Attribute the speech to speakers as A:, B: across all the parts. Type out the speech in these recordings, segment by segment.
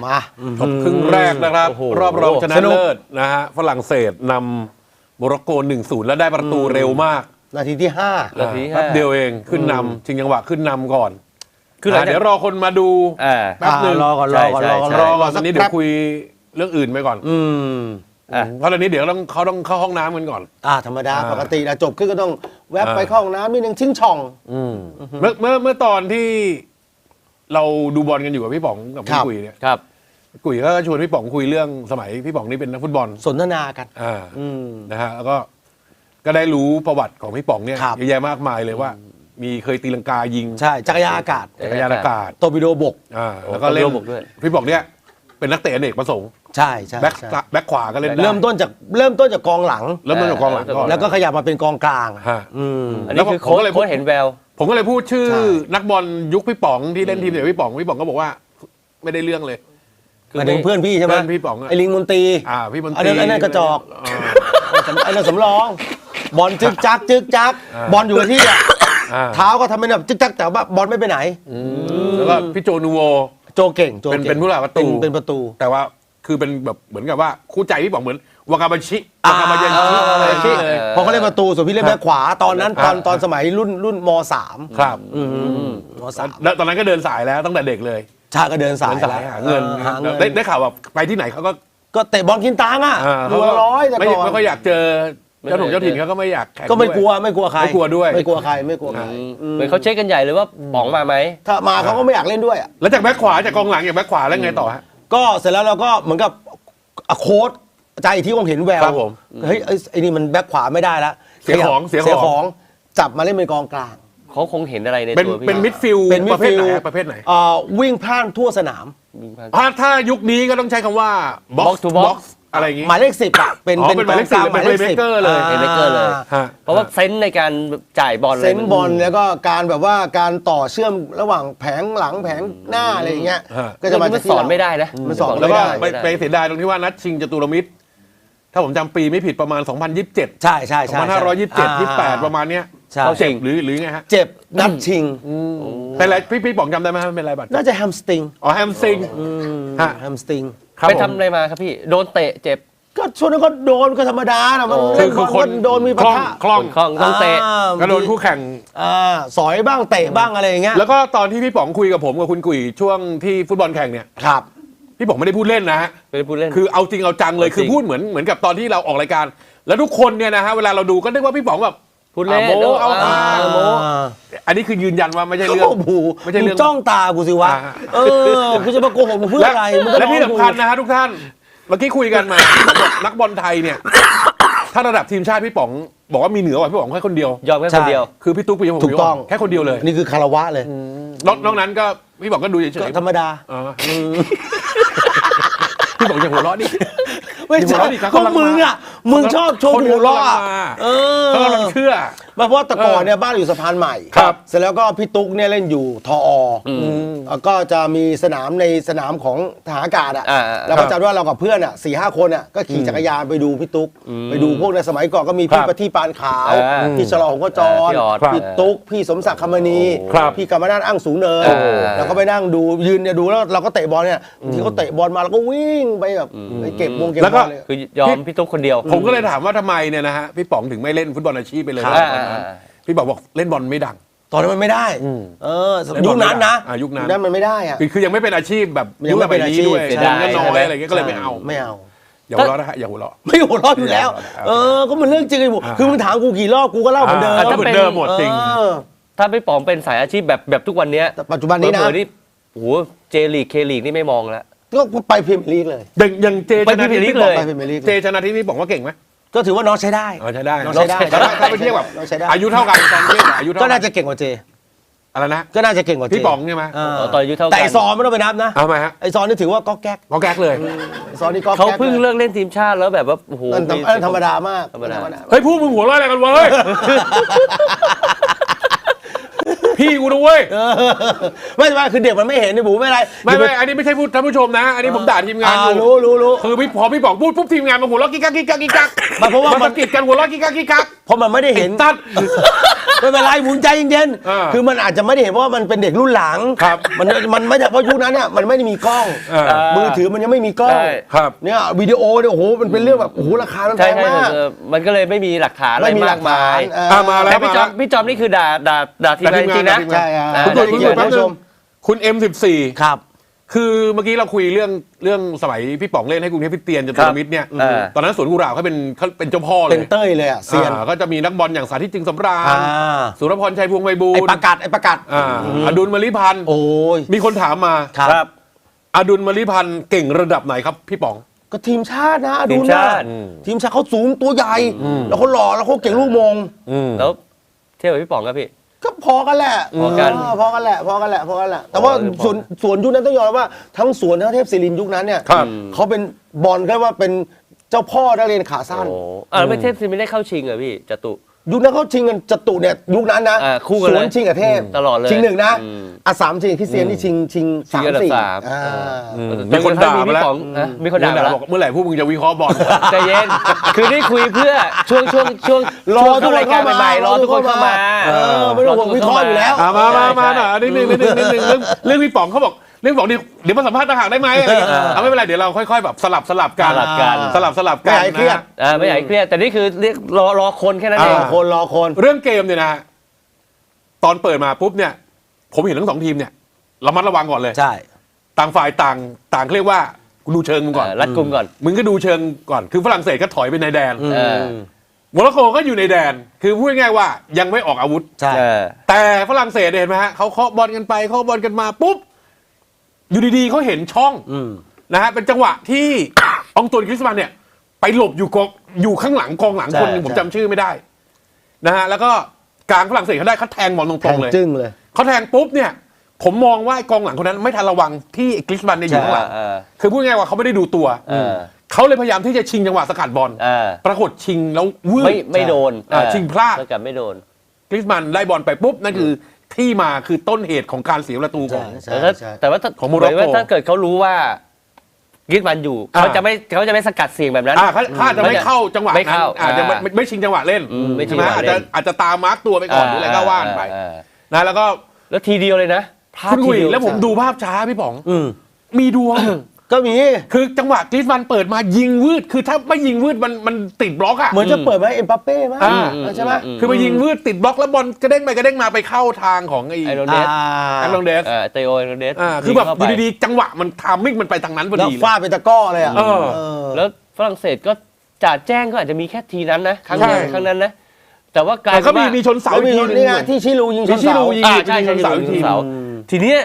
A: มา
B: จบครึ่งแรกนะครับรอบรองชนะเลิศนะฮะฝรั่งเศสนำโมร็อกโก 1-0 แล้วได้ประตูเร็วมาก
A: นาทีที่5
B: แป๊บเดียวเองขึ้นนำชิงจังหวะขึ้นนำก่อนคือเดี๋ยวรอคนมาดูแป๊บนึง
A: รอก่อน
B: ตอนนี้เดี๋ยวคุยเรื่องอื่นไปก่อนเพราะตอนนี้เดี๋ยวเขาต้องเข้าห้องน้ำกันก่อน
A: ธรรมดาปกตินะจบขึ้นก็ต้องแวบไปเข้าห้องน้ำนิดนึงชิงช่อง
B: เมื่อตอนที่เราดูบอลกันอยู่กับพี่ป๋องกับพี่กุยเนี่ยกุยก็ชวนพี่ป๋องคุยเรื่องสมัยพี่ป๋องนี่เป็นนักฟุตบอล
A: สนทนากัน
B: นะฮะแล้วก็ได้รู้ประวัติของพี่ป๋องเนี่ยเยอะแยะมากมายเลยว่ามีเคยตีลังกายิง
A: ใช่จักรยานอากาศโตบิโดบก
B: แล้วก็เล่นพี่ป๋องเนี่ยเป็นนักเตะอเนกประสงค์
A: ใช่
B: แบ็คขวาก็เล่นได้
A: เริ่มต้นจากกองหลัง
B: ก่อน
A: แล้วก็ขยับมาเป็นกองกลาง
C: อันนี้คือโค้ชเห็นแวว
B: ผมก็เลยพูดชื่อนักบอลยุคพี่ป๋องที่เล่นทีมเดียวพี่ป๋องก็บอกว่าไม่ได้เรื่องเลย
A: มาถึงเพื่อนพี่ใช่ไหม
B: พี่ป๋อง
A: ไอ้ลิงมนตรี
B: พี่มนตรี
A: ไอ้นั่นกระจอกไอ้นั่นสำรองบอลจึกจักบอลอยู่กับที่เท้าก็ทำเป็นแบบจึกจักแต่ว่าบอลไม่ไปไหน
B: แล้วก็พี่โจนูโว
A: โจเก่ง
B: เป็นผู้รักประตู
A: เป็นประตู
B: แต่ว่าคือเป็นแบบเหมือนกับว่าคู่ใจพี่ป๋องเหมือนวากาบาชิ
A: พอเขาเล่นประตูส่วนพี่เล่นแบ็คขวาตอนนั้นตอนสมัยรุ่นม.3
B: ครับม.3 แล้วตอนนั้นก็เดินสายแล้วตั้งแต่เด็กเลย
A: ชาก็เดินสาย
B: หาเงินได้ข่าวว่าไปที่ไหนเขา
A: ก็เตะบอลกินตังค์ดูร้อยแต่ก่อน
B: ไม่ค่อยอยากเจอเจ้าถิ่นเขาก็ไม่อยากแข่ง
A: ก็ไม่กลัวใคร
B: ไม่กลัวด้วย
A: ไม่กลัวใคร
C: เหมือนเขาเช็คกันใหญ่เลยว่าป๋องมาไหม
A: ถ้ามาเขาก็ไม่อยากเล่นด้วย
B: แล้วจากแบ็คขวาจากกองหลังจากแบ็คขวาแล้วไงต่อฮะ
A: ก็เสร็จแล้วเราก็เหมือนกับโค้ชใจที่ผมเห็นแววเฮ้ยไอ้นี่มันแบ็คขวาไม่ได้แล้ว
B: เสียของ
A: จับมาเล่นเป็นกองกลาง
C: เขาคงเห็นอะไรในตัวพี่
B: เป็นมิดฟิลด์ประเภทไหน
A: วิ่งพล่านทั่วสนาม
B: ถ้ายุคนี้ก็ต้องใช้คำว่า box to box อะไรอย่างงี้
A: หมายเลข10เป็น
B: หมายเลข10เป็นเลเกอร์เลย
C: เพราะว่าเซนส์ในการจ่ายบอล
A: เซนส์บอลแล้วก็การแบบว่าการต่อเชื่อมระหว่างแผงหลังแผงหน้าอะไรอย่างเงี้ย
C: ก็จะมาสอนไม่ได้นะ
A: มันสอน
B: แล้วก็ไปเสียดายตรงที่ว่านัดชิงจตุรมิตรถ้าผมจำปีไม่ผิดประมาณ2027
A: ใช่
B: 2527 28ประมาณเนี้ยเขาเจ็บหรือไงฮะ
A: เจ็บนัดชิง
B: เป็นไรพี่ป๋องจำได้ไหมเป็นไรบัตร
A: น่าจะแฮมสตริง
B: แฮมสตริง
A: แฮมสตริง
C: ไปทำอะไรมาครับพี่โดนเตะเจ็บ
A: ก็ช่วงนั้นก็โดนก็ธรรมดานะมัน
B: คือคน
A: โดนมีปะทะ
B: คล่อง
C: ต้องเตะ
B: ก็โดนคู่แข่ง
A: สอยบ้างเตะบ้างอะไรอย่างเงี้ย
B: แล้วก็ตอนที่พี่ป๋องคุยกับผมกับคุณกุ๋ยช่วงที่ฟุตบอลแข่งเนี่ย
A: ครับ
B: พี่ป๋องไม่ได้พูดเล่นนะฮะ
C: ไม่ได้พูดเล่น
B: คือเอาจริงเอาจังเลยคือพูดเหมือนกับตอนที่เราออกรายการแล้วทุกคนเนี่ยนะฮะเวลาเราดูก็นึกว่าพี่ป๋องแบบ
C: พูดเล่น
B: โมอันนี้คือยืนยันว่าไม่ใช่เรื่อง
A: ไม่ใช่เรื่องจ้องตากูสิวะกูจะมาโกหกมึงเพื่ออะไร
B: และที่สำคัญนะฮะทุกท่านเมื่อกี้คุยกันมานักบอลไทยเนี่ยถ้าระดับทีมชาติพี่ป๋องบอกว่ามีเหนือกว่าพี่ป๋องแค่คนเดียวย
C: อมแค่คนเดียว
B: คือพี่ตุ๊กปีผม
A: ถูกต้อง
B: แค่คนเดียวเลย
A: นี่คือคารวะเลย
B: นอกนั้นก็พี่ป๋องก็ดูเฉย
A: ๆธรรมดา
B: พี่ป๋องอย่าหัวเราะดิ
A: ไม่ใช่ก็มึงชอบโชว์หัวเราะ
B: เขากำลังเชื่อ
A: เพราะแต่ก่อนเนี่ยบ้านอยู่สะพานใหม่เสร็จแล้วก็พี่ตุ๊กเนี่ยเล่นอยู่ทอก็จะมีสนามของทหารอากาศแล้วก็จำว่าเรากับเพื่อน4-5 คนก็ขี่จักรยานไปดูพี่ตุ๊กไปดูพวกในสมัยก่อนก็มีพี่ประทีปปานขาวพี่ฉลองหงส์กจรพี่ตุ๊กพี่สมศักดิ์คำมณีพี่กำมนาฏอ้างสูงเนินแล้วก็ไปนั่งดูยืนเนี่ยดูแล้วเราก็เตะบอลเนี่ยที่เขาเตะบอลมาเราก็วิ่งไปแบบไปเก็บบอล
C: คือยอมพี่ตุ๊กคนเดียว
B: ผมก็เลยถามว่าทำไมเนี่ยนะฮะพี่ป๋องถึงไม่เล่นฟุตบอลอาชีพไปเลยพี่บอกเล่นบอลไม่ดัง
A: ตอนนั้นมันไม่ได้ยุคนั้นนะ
B: ยุคนั้น
A: มันไม่ได้
B: คือยังไม่เป็นอาชีพแบบยุคแบบนี้ด้วยเงินน้อยอะไรเงี้ยก็เลยไม่เอาอย่าหัวเราะนะฮะอย่าหัวเราะ
A: ไม่หัวเราะอยู่แล้วก็มันเรื่องจริงไอ้บุคือมึงถามกูกี่รอบกูก็เล่าเหมือนเดิม
B: เหมือนเดิมหมดจริง
C: ถ้าพี่ป๋องเป็นสายอาชีพแบบทุกวันนี้
A: ปัจจุบันนี้นะ
C: โอ้โหเจลีกเคลีกนี่ไม่มองแล้ว
A: ก็ไปพรีเมียร์ลีกเลย
B: อย่างเจชนะทิพย์เลยเจชนะทิพย์นี่บอกว่าเก่งไหม
A: ก็ถือว่าน้องใช้ได้
B: ใช้ได้ถ้าไปเทียบแบบอายุเท่ากันตอนนี้อายุเท่า
A: ก็น่าจะเก่งกว่าเจ
B: อะไรนะ
A: ก็น่าจะเก่งกว่า
B: พี่ป๋องใช่ไหม
C: ตอนอายุเท่ากัน
A: แต่ไอซอนไม่ต้องไปนับนะ
B: ทำไมฮะ
A: ไอซอนนี่ถือว่าก็แก๊ก
B: เลย
A: ซอนนี่ก็
C: เขาเพิ่งเลิกเล่นทีมชาติแล้วแบบว่าโอ้โห
A: ธรรมดามาก
B: เฮ้ยพูดมึงหัวเราะอะไรกันวะเฮ้ยพี่กูนะเว้ย
A: ไม่คือเด็กมันไม่เห็นนี่บูไม่ไร
B: ไม่อันนี้ไม่ใช่พูดท่านผู้ชมนะอันนี้ผมด่าทีมงาน
A: รู้
B: คือพอพี่ป๋องพูดปุ๊บทีมงานมาหัวเราะกิ๊กกักเพราะว่ามันกิดกันหัวเราะกิ๊กกัก
A: เพราะมันไม่ได้เห็น
B: ตัด
A: ไม่เป็นไรหมุนใจเย็น
B: อ่า
A: ๆคือมันอาจจะไม่ได้เห็นว่ามันเป็นเด็กรุ่นหลัง
B: ครับ
A: มันไม่ใช่เพราะยุคนั้นเนี่ยมันไม่ได้มีกล้อง มือถือมันยังไม่มีกล้อง
C: ใช่
B: ครับ
A: เนี่ยวิดีโอเนี่ยโอ้โหมันเป็นเรื่องแบบโอ้โหราคามันแพ
C: ใช่
A: ง
C: ใช่
A: มาก
C: มันก็เลยไม่มีหลักฐานอะไร
A: ไม่มีหลั
C: มาก ก
A: ฐาม
C: าย
A: น
B: มาแล้ว
C: แต่พี่จอมนี่คือด่าทีมงานจริงๆนะ
A: ใช่ครับ
C: อ่า
B: คุณ
A: ได้
B: คุณ
A: เกียรติ
B: แป๊บ
A: ท่านผู้
B: นึ
A: ช
B: ง
A: ม
B: คุณ M14
A: ครับ
B: คือเมื่อกี้เราคุยเรื่องสมัยพี่ป๋องเล่นให้กรุงเทพคริสเตียนจตุรมิตรเนี่ย ตอนนั้นสวนกุหลาบเขาเป็นเจ้าพ่อเล
A: เป็น
B: ย
A: เต้ยเลยอ่ะเซียน
B: ก็จะมีนักบอลอย่างสาธิตจึงสำราญ
A: อ่า
B: สุรพรชัยพวงศ์ไพบู
A: ไอ้
B: ลย์
A: ประกาศ
B: อดุลมลิพันธ์
A: โอ้ย
B: มีคนถามมา
A: ครับ
B: อดุลมลิพันธ์เก่งระดับไหนครับพี่ป๋อง
A: ก็ทีมชาตินะดู
C: ทีม
A: นะ
C: ชาติ
A: ทีมชาติเขาสูงตัวใหญ่ แล้วเขาหล่อแล้วเขาเก่งลูกมง
C: แล้วเทียบกับพี่ป๋องครับพี่
A: ก็พอกันแหละ
C: พอกัน
A: พอกันแหละแต่ว่าส่วนยุคนั้นต้องยอมรับว่าทั้งสวนทั้งเทพศิรินทร์ยุคนั้นเนี่ย
B: ครับ
A: เขาเป็นบอลแค่ว่าเป็นเจ้าพ่อนักเรียนขาสั้น
C: โอ้แล้วไม่เทพซิไม่ได้เข้าชิงเหรอพี่จตุ
A: ยุคนั้นเขาชิงกันจตุเนี่ยยุคนั้นนะ
C: คู่กัน
A: ส
C: เลย
A: วนชิงกับเทพ
C: ตลอดเลย
A: ชิงหนึ่งนะ
C: อืม
A: สามชิงคริสเตียนนี่ชิง
C: ชิง
A: สาม
C: อันดับ
A: สี่
C: สาม
A: อ่า
B: มีคนด่ามาแล้ว
C: พี่ป๋องนะมีคนด่ามาแล้ว
B: บอกเมื่อไหร่พวกมึงจะวิเคราะห์บอล
C: ใจเย็น คือนี่คุยเพื่อช่วง
A: รอ
C: ช่วง
A: ทุกคน
C: รายการ
A: เข้ามา
C: ใหม่ๆรอทุกคนเข้ามา
A: ไม่ต้องห่วงวิเคราะห์อยู่แล้ว
B: มาหน่อยนิดนึงเรื่องพี่ป๋องเขาบอกเรื่องบอกเดี๋ยวมาสัมภาษณ์ต่างหากได้ไหมอะไรอย่างเงี้ยเอาไม่เป็นไรเดี๋ยวเราค่อยๆแบบสลับกัน
C: สลับกัน
B: สลับ
A: ไม่
B: กัน
A: ให้เครียด
B: นะ
C: ไม่อยากให้เครียดแต่นี่คือเรียกรอคนแค่นั้นเอง
A: รอคน
B: เรื่องเกมเนี่ยนะฮะตอนเปิดมาปุ๊บเนี่ย ผมเห็นทั้งสองทีมเนี่ยระมัดระวังก่อนเลย
A: ใช่
B: ต่างฝ่ายต่างเรียกว่ากูดูเชิงมึงก่อน
C: รัดกุมก่อน
B: มึงก็ดูเชิงก่อนคือฝรั่งเศสก็ถอยไปในแดน
C: เออ
B: โมร็อกโกก็อยู่ในแดน คือพูดง่ายๆว่ายังไม่ออกอาวุธ
A: ใช่
C: เออ
B: แต่ฝรั่งเศสเนี่ยเห็นไหมฮะเขาเคาะบอลกันไปเคาะบอลกันมาปุ๊บอยู่ดีๆเขาเห็นช่องนะฮะเป็นจังหวะที่ อองตวนกริซมันเนี่ย ไปหลบอยู่ข้างหลังกองหลังคนหนึงผมจำชื่อไม่ได้นะฮะแล้วก็กลางฝรั่งเศสเขาได้เขาแทงบอลตรงๆเลย
A: จึ้งเลย
B: เขาแทงปุ๊บเนี่ย ผมมองว่าไอ้กองหลังคนนั้นไม่ทันระวังที่กริซมันเนี่ยอยู่ข้างหลัง
C: เออ
B: คือพูดง่ายๆว่าเขาไม่ได้ดูตัว
C: เออ
B: เขาเลยพยายามที่จะชิงจังหวะสกัดบอล
C: เออ
B: ปรากฏชิงแล้ววืด
C: ไม่โดน
B: ชิงพลาด
C: แล้วกันไม่โดน
B: กริซมันได้บอลไปปุ๊บนั่นคือที่มาคือต้นเหตุของการเสียประตูของ
A: ใช่
C: แต่ว่าถ้า
B: ของโมร็อกโก
C: หายว่าถ้าเกิดเขารู้ว่ากิดมันอยู่
B: อ่า
C: เขาจะไม่สกัดเสียงแบบนั้น
B: เขาอาจจะไม่เข้าจังหวะ
C: ไม่
B: นั้น
C: เข้า
B: อาจจะไม่ชิงจังหวะเล่น
C: ไม่ชิ
B: ใช่
C: ง
B: ไหม
C: จังหวะเล่น
B: อาจจะตามมาร์กตัวไปก่อนหรืออะไรก็ว่านไปนะแล้วก็
C: แล้วทีเดียวเลยนะพลาด
B: คุณกุย
C: ทีเดียว
B: แล้วผมดูภาพช้าพี่ป๋อง
A: อืม
B: มีดวง
A: ก็มี
B: คือจังหวะกริซมันเปิดมายิงวืดคือถ้าไม่ยิงวืดมันติดบล็อกอะ
A: เหมือนจะเปิดมาให้เอ็มบัปเป้มั้ง
B: อ่า
A: ใช่ไหม
B: คือมายิงวืดติดบล็อกแล้วบอลกระเด้งไปกระเด้งมาไปเข้าทางของไอ้
C: ไอโรเดส
B: แอลลองเดส
C: เตโอไอโรเดส
B: คือแบบ
C: เข้า
B: อ
C: ไป
B: ยู่ดีๆจังหวะมันทามมิ่งมันไปทางนั้นพอ
A: แล้ว
B: ดีเลย
A: ฟาดเป็นตะกร้อเลยอ่ะ
B: เออ
C: แล้วฝรั่งเศสก็จ่าแจ้งก็อาจจะมีแค่ทีนั้นนะครั้ง
B: ใช่
C: เดียวครั้งนั้นนะแต่ว่ากลาย
B: แต่
C: เป็
B: ก็
C: นว่า
B: มีชนเสา
A: แล้ว
B: อี
A: มี
B: กทีหนึง
A: นี่ไงที่ชิลูยิงชน
B: ชิ
A: เสา
B: ลูยิง
C: ใช่
B: ชนเสาอีกที
C: เสาทีเนี้ย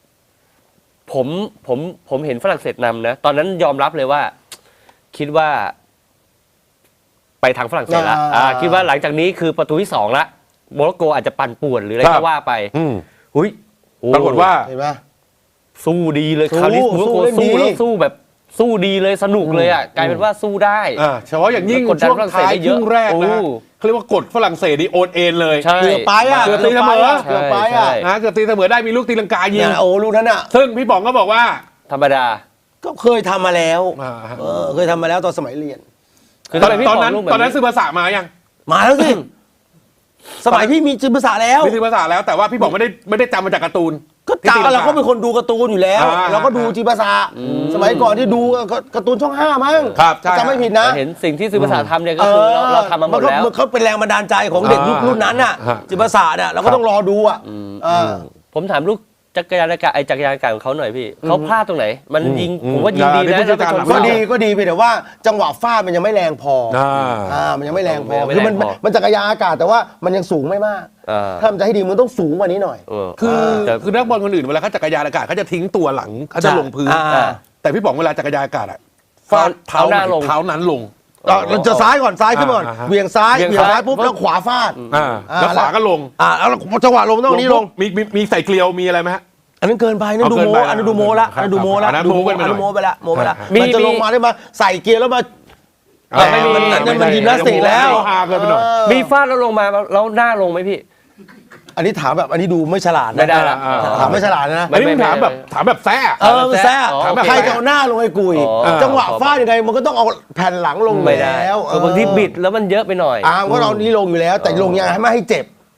C: ผมเห็นฝรั่งเศสนำนะตอนนั้นยอมรับเลยว่า คิดว่า ไปทางฝรั่งเศสละคิดว่าหลังจากนี้คือประตูที่สองละโมร็อกโกอาจจะปั่นป่วนหรืออะไรก็ว่าไป
B: อืม
C: หุ้ยโอ้
B: ปรากฏว่า
A: เห็นไหม
C: สู้ดีเลย
A: สู้
C: คราวนี้โมร็อกโก
A: สู้
C: สู้
A: เล่นดี
C: แล้วสู้แบบสู้ดีเลยสนุกเลยอ่ะกลายเป็นว่าสู้ได้
B: เฉพาะอย่างยิ่ง
C: แล้วกดดัน
B: ช่วง
C: ฝรั่งเศส
B: ท้าย
C: ได้
B: ค
C: เยอะ
B: รึ่งแรก
C: โอ้
B: นะเขาเรียกว่ากดฝรั่งเศสนี่โอนเอ็นเลย
C: ใช่
A: เกือบไปอ่ะ
B: เกือบตีเสมอ
A: เกือบไปอ่ะ
C: ใช่
B: นะเกือบตีเสมอได้มีลูกตีลังกายิง
A: เนี่ยโอ้ลูกนั้นอ่ะ
B: ซึ่งพี่ป๋องก็บอกว่า
C: ธรรมดา
A: ก็เคยทำมาแล้ว
B: อ่า
A: เคยทำมาแล้วตอนสมัยเรียน
C: คือ
B: ตอน
C: ทำไมพี่
B: ตอน
C: ป๋
B: นั้น
C: ลูกแบบ
B: ตอนนั้นซื้อภาษามายัง
A: มาแล้วสิ สมัยพี่มีจิตภาษาแล้ว
B: มีซื้อภาษาแล้วแต่ว่าพี่ป๋องไม่ได้จำมาจากการ์ตูน
A: ก็จำเราก็เป็นคนดูการ์ตูนอยู่แล้ว
B: อ่า
A: เราก็ดูจิตภาษาสมัยก่อนที่ดูการ์ตูนช่อง5มั้ง
B: ครับใช่
A: จำไม่ผิดนะ
C: แต่เห็นสิ่งที่ซื้อภาษาทำเนี่ยก็คือเราทำมาหมดแล้ว
A: นเขาเป็นแรงบันดาลใจของเด็กยุครุ่นนั้นน่ะ
B: ฮะ
A: จิตภาษาเนี่ยเราก็ต้องรอดูอ่ะอ่า
C: ผมถามลูกจักรยานอากาศจักรยานอากาศของเขาหน่อยพี่เขาพลาดตรงไหน มันยิงผมว่ายิงดี
B: เดี๋ยว
C: นะ
B: ผู้จัดการ
C: แล้ว
A: ก็
C: ไปชน
A: ดีก็ดีไปแต่ว่าจังหวะฟาดมันยังไม่แรงพอ มันยังไม่แรงพอ
C: ไม่
A: คือ
C: แร
A: มัน
C: งพอ
A: มันจักรยานอากาศแต่ว่ามันยังสูงไม่มาก
C: อ่า
A: ถ้ามันจะให้ดีมันต้องสูงกว่านี้หน่อย
B: คือนักบอลคนอื่นเวลาเขาจักรยานอากาศเขาจะทิ้งตัวหลังเขาจะลงพื้น
A: อ่า
B: แต่พี่ป๋องเวลาจักรยานอากาศอะฟาดเท้า
C: เอาหน้าลง
B: เท้านั้นลง
A: เราจะซ้ายก่อนซ้ายขึ้นก่อน
B: อ่าฮะ
A: เหวี่ยงซ้าย
C: เหวี่ยง
A: เหวี่ยงซ้าย
C: ซ้าย
A: ปุ๊บแล้วขวาฟาด
B: แล้วขวาก็ลง
A: แล้วจังหวะลงต้องนี้ลง
B: มีใส่เกลียวมีอะไรไหมฮะ
A: อันนั้นเกินไปนั่นดูโม
B: เอาเกินไป
A: อันนั้นดูโมละ
B: ครับ
A: อันนั้นดูโมละ
B: อันนั้น
A: ดู
B: โม้ไปหน่อย
A: อันนั้นโมไปละโมไปละ
C: มี
A: มันจะลงมาได้มาใส่เกียร์แล้วมา
C: ไม่มี
A: มันยิมนาสติกแล้ว
B: ฮาเกินไปหน่อย
C: มีฟาดแล้วลงมาแล้วหน้าลงไหมพี่
A: อันนี้ถามแบบอันนี้ดูไม่ฉลาดนะ
C: ไม่ได้ละ
A: ถามไม่ฉลาดนะ
B: อันนี้มึงถามแบบแซ่
A: มันแซ่
C: อ๋อ
A: ถามแบบ
C: โอเค
A: ใครจะเอาหน้าลงไอ้กุย
C: อ๋อ
A: จังหวะฟาดยังไงมันก็ต้องเอาแผ่นหลังลง
C: ไม่ได้
A: แล้ว
C: บางทีบิดแล้วมันเยอะไปหน่อย
A: ว่าเรานี้ลงอยู่แล้ว แต่ลงยังไงให้ไม่ให้เจ็บ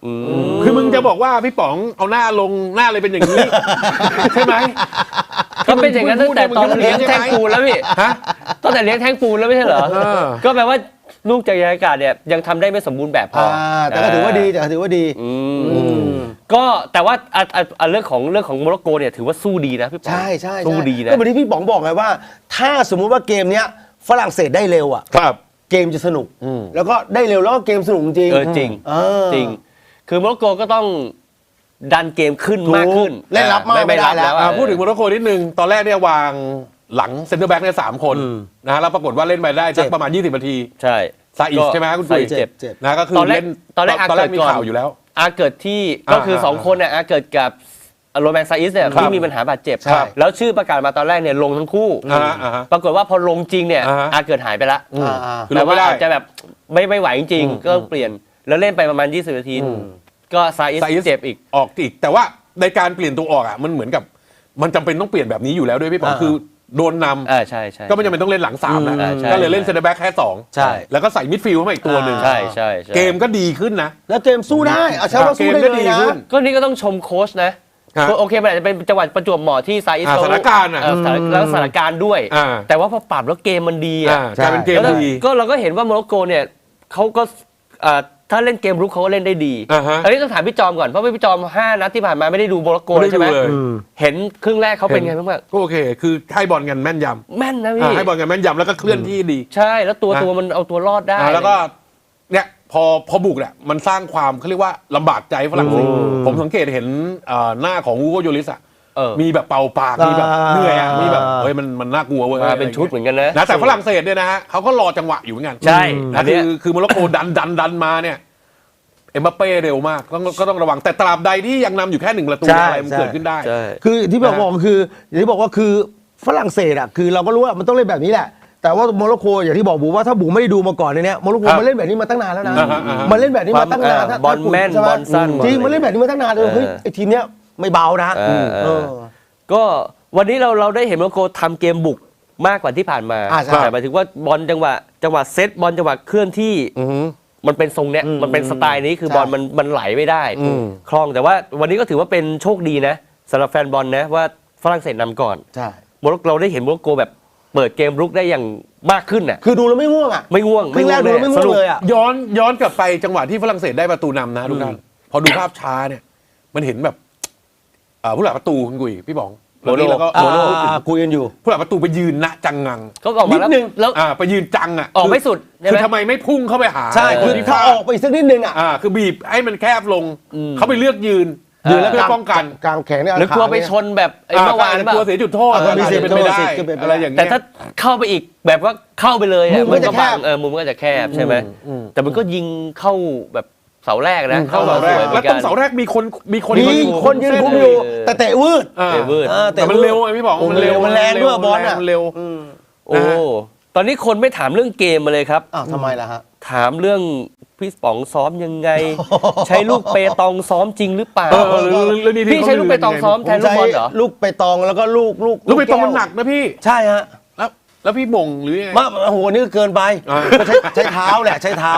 B: คือมึงจะบอกว่าพี่ป๋องเอาหน้าลงหน้าเลยเป็นอย่างนี้ ใช่ไหม
C: ก็เป็นอย่างนั้นตั้งแต่ตอนเลี้ยงแท่งปูนแล้วพี่
B: ฮะ
C: ตั้งแต่เลี้ยงแท่งปูนแล้วไม่ใช่เหรอ ก็แปลว่าลูกจากยานอากาศเนี่ยยังทำได้ไม่สมบูรณ์แบบพอ
A: แต่ก็ถือว่าดี
C: ก็แต่ว่าเรื่องของโมร็อกโกเนี่ยถือว่าสู้ดีนะพี่ป๋อง
A: ใช่
C: สู้ดีนะ
A: ก็เหมือนที่พี่ป๋องบอกไงว่า ถ้าสมมุติว่าเกมเนี้ยฝรั่งเศสได้เร็วอ่ะ
B: ครับ
A: เกมจะสนุกแล้วก็ได้เร็วแล้วก็เกมสนุกจริง
C: จริงจริง คือโมร็อกโกก็ต้องดันเกมขึ้นมากขึ้น
A: เล่นรับมากไม่ได้แล้ว
B: พูดถึงโมร็อกโกนิดนึงตอนแรกเนี่ยวางหลังเซ็นเตอร์แบ็กเนี่ย3 คนนะฮะแล้วปรากฏว่าเล่นไปได้สักประมาณ20 นาที
C: ใช่
B: ซาอิสใช่ไหมคุณปุ้ย
C: เจ็บ
B: นะก็คือเล่น
C: ตอนแรก
B: มีข่าวอยู่แล้ว
C: อาเกิดที่ก็คือ2 คนเนี่ยอาเกิดกับโรแมนซาอิสเนี่ยที่มีปัญหาบาดเจ็บ แล้วชื่อประกาศมาตอนแรกเนี่ยลงทั้งคู่ ปรากฏว่าพอลงจริงเนี่ยอาเกิดหายไปละ
B: คือล
C: แต่
B: ง
C: ว่า
B: ไม่ได้
C: อาจจะแบบไม่ไหวจริงๆก็ต้องเปลี่ยนแล้วเล่นไปประมาณ20 นาทีก็ซาอิสเจ็บอีก
B: ออกอีกแต่ว่าในการเปลี่ยนตัวออกอ่ะมันเหมือนกับมันจำเป็นต้องเปลี่ยนแบบนี้อยู่แล้วด้วยพี่ป๋องคือโดนนำ
C: ใช่
B: ก็ไม่จำเป็นต้องเล่นหลัง3นะ
C: ใช่
B: ก็เลยเล่นเซ็นเตอร์แบ็กแค่
A: ใช่
B: 2แล้วก็ใส่มิดฟิลด์เข้ามาอีกตัวหนึ่ง
C: ใช่
B: เกมก็ดีขึ้นนะ
A: แล้วเกมสู้ได้เอาใช้ว่าสู้ได้
B: เกมก็
A: เล
B: ดี
A: ยนะ
B: ขึ้น
C: ก็นี่ก็ต้องชมโค้ชนะ โอเคมันอาจจะเป็นจังหวะประจวบเหมาะที่ซาอิส
B: สถานการณ์อ่ะ
C: แล้วสถานการณ์ด้วย แต่ว่าพอปรับแล้วเกมมันดีอ่ะ
B: กลายเป็นเกมดี
C: ก็เราก็เห็นว่าโมร็อกโกเนี่ยเขาก็ถ้าเล่นเกมรุกเขาก็เล่นได้ดี อันนี้ต้องถามพี่จอมก่อนเพราะว่าพี่จอม5 นัดที่ผ่านมาไม่ได้ดูโมร็อกโกเลยใช่ไหมเห็นครึ่งแรกเขาเป็นไงบ้าง
B: ก็โอเค คือให้บอลกันแม่นยำ
C: แม่นนะพี่
B: ให้บอลกันแม่นยำแล้วก็เคลื่อนที่ดี
C: ใช่แล้วตัวมันเอาตัวรอดได้
B: แล้วก็เนี่ยพอบุกเนี่ยมันสร้างความเขาเรียกว่าลำบากใจฝรั่งเศสผมสังเกตเห็นหน้าของอูโกโยลิสอะมีแบบเป่าปากมีแบบเหนื่อยอะมีแบบเฮ้ยมันน่ากลัวเว้ย
C: มาเป็นชุดเหมือนกันนะ
B: แต่ฝรั่งเศสเนี่ยนะฮะเขาก็รอจังหวะอยู่เหมือนกัน
C: ใช่
B: นะคือโมร็อกโกดันมาเนี่ยเอ็มบัปเป้เร็วมากก็ต้องระวังแต่ตราบใดที่ยังนำอยู่แค่1 ประตูอะไรมันเกิดขึ้นได้
A: คือที่บอกคืออย่างที่บอกว่าคือฝรั่งเศสอ่ะคือเราก็รู้ว่ามันต้องเล่นแบบนี้แหละแต่ว่าโมร็อกโกอย่างที่บอกบูว่าถ้าบูไม่ได้ดูมาก่อนเนี่ยโมร็อกโกมันเล่นแบบนี้มาตั้งนานแล้วนะมันเล่นแบบนี้มาตั้งนาน
C: บอลแม่นบอลสั้น
A: จริงมันเล่นแบบนี้มาตั้งนานเลยเฮ้ยไอทีมเนี้ยไม่เบานะ
C: ก็วันนี้เราได้เห็นโมร็อกโกทำเกมบุกมากกว่าที่ผ่านมาแต่หมายถึงว่าบอลจังหวะเซตบอลจังหวะเคลื่อนที่มันเป็นทรงเนี้ยมันเป็นสไตล์นี้คือบอลมันไหลไม่ได้คล่องแต่ว่าวันนี้ก็ถือว่าเป็นโชคดีนะสำหรับแฟนบอลนะว่าฝรั่งเศสนำก่อนเราได้เห็นโมร็อกโกแบบเปิดเกมรุกได้อย่างมากขึ้นน่ะ
A: คือดูแล้วไม่ง่วงอ่ะ
C: ไม่ง่วง
A: ครึ่งแรกดูแล้วไม่ง่วงเลยอ่ะ
B: ย้อนกลับไปจังหวะที่ฝรั่งเศสได้ประตูนำนะทุกท่านพอดูภาพช้าเนี่ยมันเห็นแบบผู้หลักประตูคุณกุยพี่ป๋องแล้วก็
A: คุยกันอยู่
B: ผู้หลักประตูไปยืนณจังงัง
C: ก็ออกมาแล้ว
B: ไปยืนจังอ่ะ
C: ออกไม่สุด
B: คือทำไมไม่พุ่งเข้าไปหา
A: ใช่คือถ้าออกไปอีกสักนิดนึงอ่ะ
B: คือบีบให้มันแคบลงเขาไปเลือกยืนแล้วเพื่อป้องกัน
A: กลางแขนเนี่ย
C: หรือกลัวไปชนแบบเมื่อวาน
B: กลัวเสียจุดโทษ
A: ก็มีเสียเป็นไปได้
B: อะไรอย่างเงี้ย
C: แต่ถ้าเข้าไปอีกแบบว่าเข้าไปเลยมันก็บังมุมก็จะแคบใช่ไหมแต่มันก็ยิงเข้าแบบเสาแรกนะ
B: เข้าเสาแรกแล้วตรงเสาแรกมีคน
A: ยืนคุมอยู่แต่เตะวืด
B: แต่มันเร็วไงพี่บอกมันเร็ว
A: มันแรงด้วยบอลอ่ะ
B: เร็ว
C: โอ้ตอนนี้คนไม่ถามเรื่องเกมมาเลยครับ
A: ทำไมล่ะฮะ
C: ถามเรื่องพี่ป๋องซ้อมยังไงใช้ลูกเปตองซ้อมจริงหรือเปล่าพี่ใช้ลูกเปตองซ้อมแทนลูกบอลเหรอ
A: ลูกเปตองแล้วก็ลูก
B: เปตองมันหนักนะพี่
A: ใช่ฮะ
B: แล้วพี่บ่งหรือยังไง
A: โอ้โหนี่เกินไปใช้เท้าแหละใช้เท้า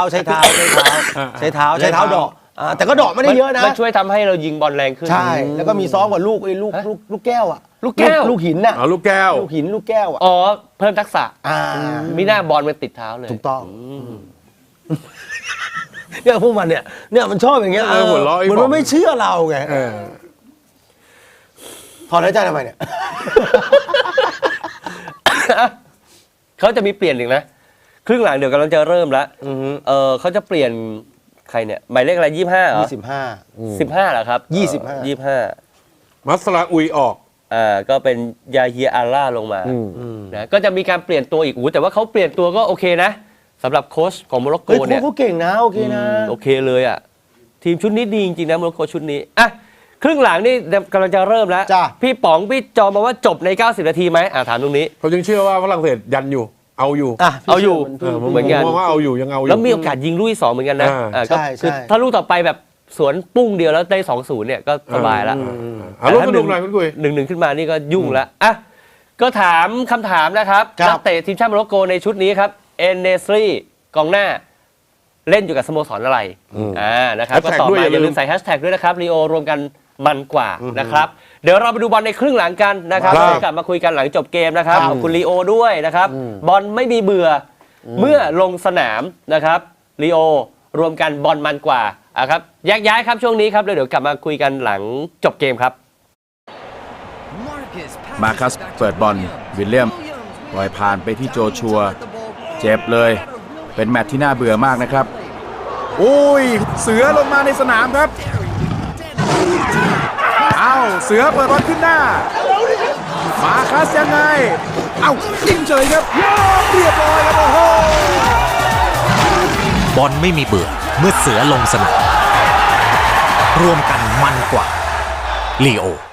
A: ดอกแต่ก็ดอกไม่ได้เยอะนะ
C: มันช่วยทำให้เรายิงบอลแรงขึ้น
A: ใช่แล้วก็มีซ้อมกับลูกแก้วอ่ะลูกหินน่ะ
B: ลูกแก้ว
A: ลูกหินลูกแก้วอ่ะ
C: อ๋อเพิ่มทักษะมีหน้าบอลมันติดเท้าเลย
A: ถูกต้องเนี่ยพวกมันเนี่ยมันชอบอย่างเงี้ยเหมือนมันไม่เชื่อเราไงถอนหายใจทำไมเนี่ย
C: เขาจะมีเปลี่ยนอีกนะครึ่งหลังเดี๋ยวกำลังจะเริ่มแล้วเขาจะเปลี่ยนใครเนี่ยหมายเลขอะไร25เหรอ15เหรอครับ25
B: มัสลาอุยออก
C: ก็เป็นยาเฮียอาร่าลงมานะก็จะมีการเปลี่ยนตัวอีกแต่ว่าเขาเปลี่ยนตัวก็โอเคนะสำหรับโค้ชของโมร็อกโกเนี่ย
A: เขาเก่งนะโอเคนะ
C: โอเคเลยอ่ะทีมชุดนี้ดีจริงๆนะโมร็อกโกชุดนี้อ่ะครึ่งหลังนี่กำลังจะเริ่มแล้วพี่ป๋องพี่จอมมาว่าจบใน90 นาทีไหมถามตรงนี้
B: เขาจึงเชื่อว่าฝรั่งเศสยันอยู่เอาอยู่
C: เหมือนกัน
B: ว่าเอาอยู่ยังเอาอยู่
C: แล้วมีโอกาสยิงลูกที่2เหมือนกันนะคือถ้าลูกต่อไปแบบสวนปุ้งเดียวแล้วได้ 2-0 เนี่ยก็สบายแล้ว
B: ลูกสนุกหน่อยคุณกุย
C: 1-1ขึ้นมานี่ก็ยุ่งแล้วอ่ะก็ถามคำถามนะครับนักเตะทีมชาติโมร็อกโกในชุดนี้ครับเอนเนสรีกองหน้าเล่นอยู่กับสโมสรอะไรนะครับก็
B: Hashtag
C: ตอบ
B: ด้วย
C: มา
B: อย่าลืม
C: อย่าลืมใส่แฮชแท็กด้วยนะครับลีโอรวมกันมันกว่านะครับเดี๋ยวเราไปดูบอลในครึ่งหลังกันนะครับ
B: ครับ
C: เดี๋ยวกลับมาคุยกันหลังจบเกมนะครับขอบคุณลีโอด้วยนะครับบอลไม่มีเบื่อเมื่อลงสนามนะครับลีโอรวมกันบอลมันกว่าครับแยกย้ายครับช่วงนี้ครับเดี๋ยวกลับมาคุยกันหลังจบเกมครับ
D: มาคัสเปิดบอลวิลเลียมปล่อยผ่านไปที่โจชัวเจ็บเลยเป็นแมตช์ที่น่าเบื่อมากนะครับโอ้ยเสือลงมาในสนามครับเอาเสือเปิดบอลขึ้นหน้ามาคัสยังไงเอายิงเฉยครับเรียบร้อยครับโอ้โห
E: บอลไม่มีเบื่อเมื่อเสือลงสนามรวมกันมันกว่าลีโอ